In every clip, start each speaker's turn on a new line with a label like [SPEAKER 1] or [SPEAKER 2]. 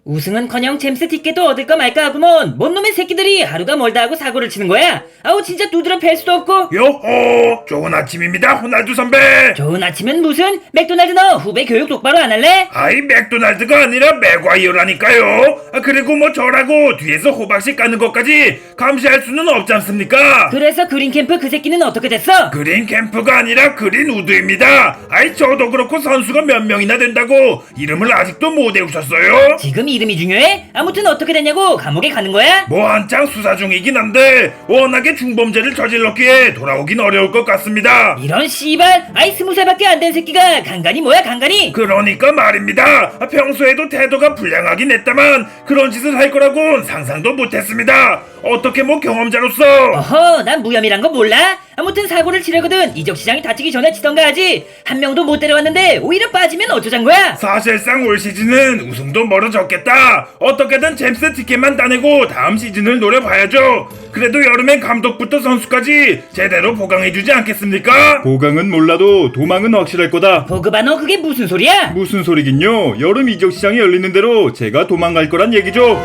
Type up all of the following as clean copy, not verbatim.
[SPEAKER 1] 우승은커녕 잼스 티켓도 얻을까 말까 하구먼. 뭔 놈의 새끼들이 하루가 멀다 하고 사고를 치는 거야? 아우 진짜 두드려 팰 수도 없고.
[SPEAKER 2] 요호, 좋은 아침입니다, 호날두 선배.
[SPEAKER 1] 좋은 아침은 무슨? 맥도날드 너 후배 교육 똑바로 안 할래?
[SPEAKER 2] 아이, 맥도날드가 아니라 맥과이어라니까요. 그리고 뭐 저라고 뒤에서 호박씨 까는 것까지 감시할 수는 없지 않습니까?
[SPEAKER 1] 그래서 그린캠프 그 새끼는 어떻게 됐어?
[SPEAKER 2] 그린 캠프가 아니라 그린 우드입니다. 아이, 저도 그렇고 선수가 몇 명이나 된다고 이름을 아직도 못 외우셨어요?
[SPEAKER 1] 지금 이름이 중요해? 아무튼 어떻게 됐냐고 감옥에 가는 거야?
[SPEAKER 2] 뭐 한창 수사 중이긴 한데 워낙에 중범죄를 저질렀기에 돌아오긴 어려울 것 같습니다.
[SPEAKER 1] 이런 씨발, 아이 20살밖에 안 된 새끼가 간간이 뭐야 간간이?
[SPEAKER 2] 그러니까 말입니다. 평소에도 태도가 불량하긴 했다만 그런 짓을 할 거라고는 상상도 못했습니다. 어떻게 뭐 경험자로서.
[SPEAKER 1] 어허, 난 무혐의란 거 몰라? 아무튼 사고를 치려거든 이적시장이 다치기 전에 치던가 하지. 한 명도 못 데려왔는데 오히려 빠지면 어쩌잔 거야?
[SPEAKER 2] 사실상 올 시즌은 우승도 멀어졌겠다. 어떻게든 잼스 티켓만 따내고 다음 시즌을 노려봐야죠. 그래도 여름엔 감독부터 선수까지 제대로 보강해주지 않겠습니까?
[SPEAKER 3] 보강은 몰라도 도망은 확실할 거다.
[SPEAKER 1] 보그바 너 그게 무슨 소리야?
[SPEAKER 3] 무슨 소리긴요. 여름 이적 시장이 열리는 대로 제가 도망갈 거란 얘기죠.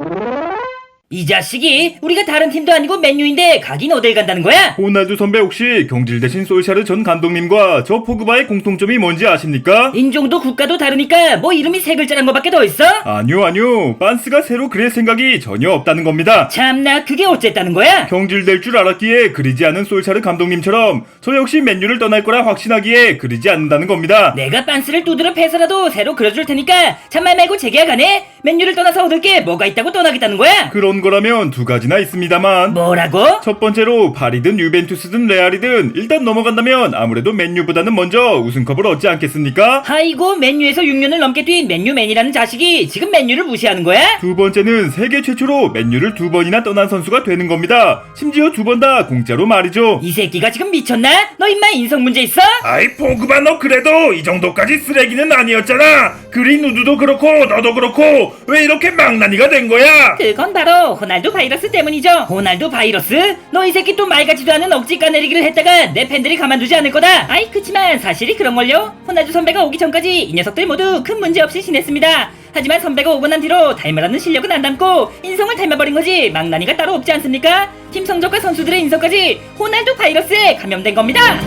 [SPEAKER 1] 이 자식이 우리가 다른 팀도 아니고 맨유인데 가긴 어딜 간다는 거야?
[SPEAKER 3] 호날두 선배 혹시 경질 대신 솔샤르 전 감독님과 저 포그바의 공통점이 뭔지 아십니까?
[SPEAKER 1] 인종도 국가도 다르니까 뭐 이름이 세 글자란 거밖에 더 있어?
[SPEAKER 3] 아니요. 반스가 새로 그릴 생각이 전혀 없다는 겁니다.
[SPEAKER 1] 참나 그게 어쨌다는 거야?
[SPEAKER 3] 경질될 줄 알았기에 그리지 않은 솔샤르 감독님처럼 저 역시 맨유를 떠날 거라 확신하기에 그리지 않는다는 겁니다.
[SPEAKER 1] 내가 빤스를 두드려 패서라도 새로 그려줄 테니까 참말 말고 재계약하네? 맨유를 떠나서 얻을 게 뭐가 있다고 떠나겠다는 거야?
[SPEAKER 3] 그런 거라면 두 가지나 있습니다만.
[SPEAKER 1] 뭐라고?
[SPEAKER 3] 첫 번째로 파리든 유벤투스든 레알이든 일단 넘어간다면 아무래도 맨유보다는 먼저 우승컵을 얻지 않겠습니까?
[SPEAKER 1] 아이고 맨유에서 6년을 넘게 뛴 맨유맨이라는 자식이 지금 맨유를 무시하는 거야?
[SPEAKER 3] 두 번째는 세계 최초로 맨유를 두 번이나 떠난 선수가 되는 겁니다. 심지어 두 번 다 공짜로 말이죠.
[SPEAKER 1] 이 새끼가 지금 미쳤나? 너 임마 인성 문제 있어?
[SPEAKER 2] 아이, 포그바 너 그래도 이 정도까지 쓰레기는 아니었잖아. 그린 우드도 그렇고 너도 그렇고 왜 이렇게 망나니가 된 거야?
[SPEAKER 1] 그건 바로 호날두 바이러스 때문이죠. 호날두 바이러스? 너 이 새끼 또 말 같지도 않은 억지 까내리기를 했다가 내 팬들이 가만두지 않을 거다. 아이 그치만 사실이 그런걸요. 호날두 선배가 오기 전까지 이 녀석들 모두 큰 문제 없이 지냈습니다. 하지만 선배가 오고 난 뒤로 닮으라는 실력은 안 닮고 인성을 닮아버린 거지 망나니가 따로 없지 않습니까? 팀 성적과 선수들의 인성까지 호날두 바이러스에 감염된 겁니다.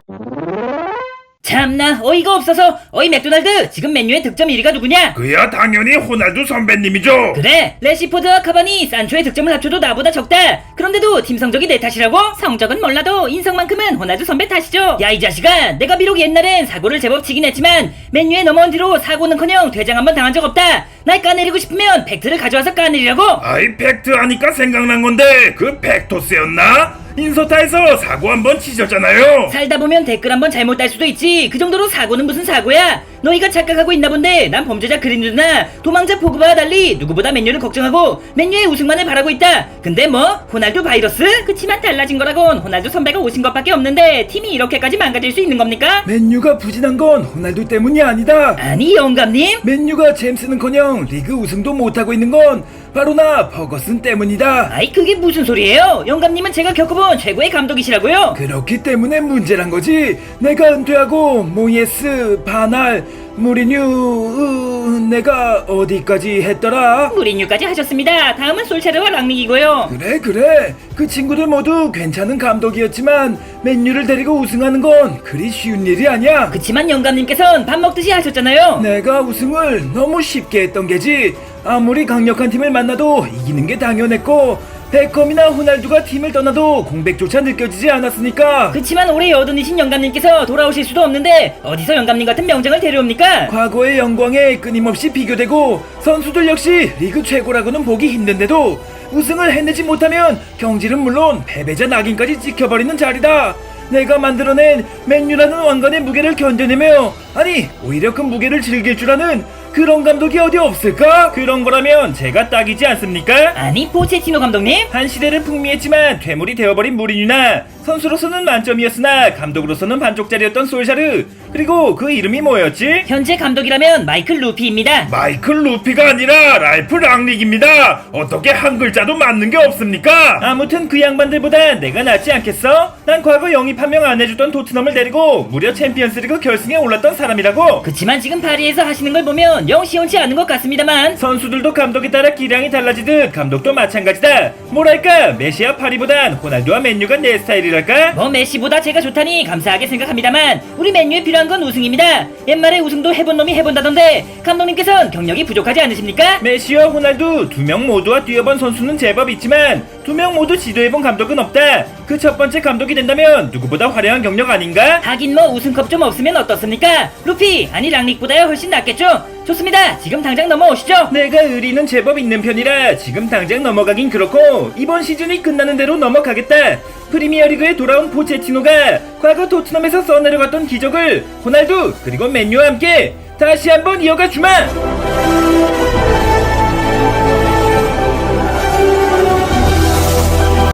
[SPEAKER 1] 참나 어이가 없어서. 어이 맥도날드 지금 맨유의 득점 1위가 누구냐?
[SPEAKER 2] 그야 당연히 호날두 선배님이죠.
[SPEAKER 1] 그래 레시포드와 카바니 산초의 득점을 합쳐도 나보다 적다. 그런데도 팀 성적이 내 탓이라고? 성적은 몰라도 인성만큼은 호날두 선배 탓이죠. 야 이 자식아, 내가 비록 옛날엔 사고를 제법 치긴 했지만 맨유에 넘어온 뒤로 사고는커녕 퇴장 한번 당한 적 없다. 날 까내리고 싶으면 팩트를 가져와서 까내리라고.
[SPEAKER 2] 아이, 팩트 하니까 생각난 건데 그 팩토스였나? 인서타에서 사고 한번 치셨잖아요.
[SPEAKER 1] 살다 보면 댓글 한번 잘못 달 수도 있지. 그 정도로 사고는 무슨 사고야? 너희가 착각하고 있나 본데 난 범죄자 그린우드나 도망자 포그바와 달리 누구보다 맨유를 걱정하고 맨유의 우승만을 바라고 있다. 근데 뭐 호날두 바이러스? 그치만 달라진 거라곤 호날두 선배가 오신 것밖에 없는데 팀이 이렇게까지 망가질 수 있는 겁니까?
[SPEAKER 4] 맨유가 부진한 건 호날두 때문이 아니다.
[SPEAKER 1] 아니 영감님?
[SPEAKER 4] 맨유가 잼스는커녕 리그 우승도 못하고 있는 건 바로 나 퍼거슨 때문이다.
[SPEAKER 1] 아이 그게 무슨 소리예요? 영감님은 제가 겪어본 최고의 감독이시라고요?
[SPEAKER 4] 그렇기 때문에 문제란 거지. 내가 은퇴하고 모예스, 바날, 무리뉴, 내가 어디까지 했더라?
[SPEAKER 1] 무리뉴까지 하셨습니다. 다음은 솔체르와 랑닉이고요.
[SPEAKER 4] 그래. 그 친구들 모두 괜찮은 감독이었지만 맨유를 데리고 우승하는 건 그리 쉬운 일이 아니야.
[SPEAKER 1] 그치만 영감님께선 밥 먹듯이 하셨잖아요.
[SPEAKER 4] 내가 우승을 너무 쉽게 했던 게지. 아무리 강력한 팀을 만나도 이기는 게 당연했고 베컴이나 호날두가 팀을 떠나도 공백조차 느껴지지 않았으니까.
[SPEAKER 1] 그치만 올해 여든이신 영감님께서 돌아오실 수도 없는데 어디서 영감님 같은 명장을 데려옵니까?
[SPEAKER 4] 과거의 영광에 끊임없이 비교되고 선수들 역시 리그 최고라고는 보기 힘든데도 우승을 해내지 못하면 경질은 물론 패배자 낙인까지 찍혀버리는 자리다. 내가 만들어낸 맨유라는 왕관의 무게를 견뎌내며, 아니 오히려 그 무게를 즐길 줄 아는 그런 감독이 어디 없을까?
[SPEAKER 3] 그런 거라면 제가 딱이지 않습니까?
[SPEAKER 1] 아니 포체티노 감독님?
[SPEAKER 3] 한 시대를 풍미했지만 퇴물이 되어버린 무리뉴나 선수로서는 만점이었으나 감독으로서는 반쪽짜리였던 솔샤르, 그리고 그 이름이 뭐였지?
[SPEAKER 1] 현재 감독이라면 마이클 루피입니다.
[SPEAKER 2] 마이클 루피가 아니라 랄프 랑릭입니다. 어떻게 한 글자도 맞는 게 없습니까?
[SPEAKER 3] 아무튼 그 양반들보다 내가 낫지 않겠어? 난 과거 영입 한 명 안 해주던 토트넘을 데리고 무려 챔피언스리그 결승에 올랐던 사람이라고.
[SPEAKER 1] 그치만 지금 파리에서 하시는 걸 보면 보면 영 시원치 않은 것 같습니다만
[SPEAKER 3] 선수들도 감독에 따라 기량이 달라지듯 감독도 마찬가지다. 뭐랄까 메시와 파리보단 호날두와 맨유가 내 스타일이랄까?
[SPEAKER 1] 뭐 메시보다 제가 좋다니 감사하게 생각합니다만 우리 맨유에 필요한 건 우승입니다. 옛말에 우승도 해본 놈이 해본다던데 감독님께서는 경력이 부족하지 않으십니까?
[SPEAKER 3] 메시와 호날두 두 명 모두와 뛰어본 선수는 제법 있지만 두 명 모두 지도해본 감독은 없다. 그 첫 번째 감독이 된다면 누구보다 화려한 경력 아닌가?
[SPEAKER 1] 하긴 뭐 우승컵 좀 없으면 어떻습니까? 루피 아니 랑릭보다야 훨씬 낫겠죠? 좋습니다. 지금 당장 넘어오시죠.
[SPEAKER 3] 내가 의리는 제법 있는 편이라 지금 당장 넘어가긴 그렇고 이번 시즌이 끝나는 대로 넘어가겠다. 프리미어리그에 돌아온 포체티노가 과거 토트넘에서 써내려갔던 기적을 호날두 그리고 맨유와 함께 다시 한번 이어가 주마.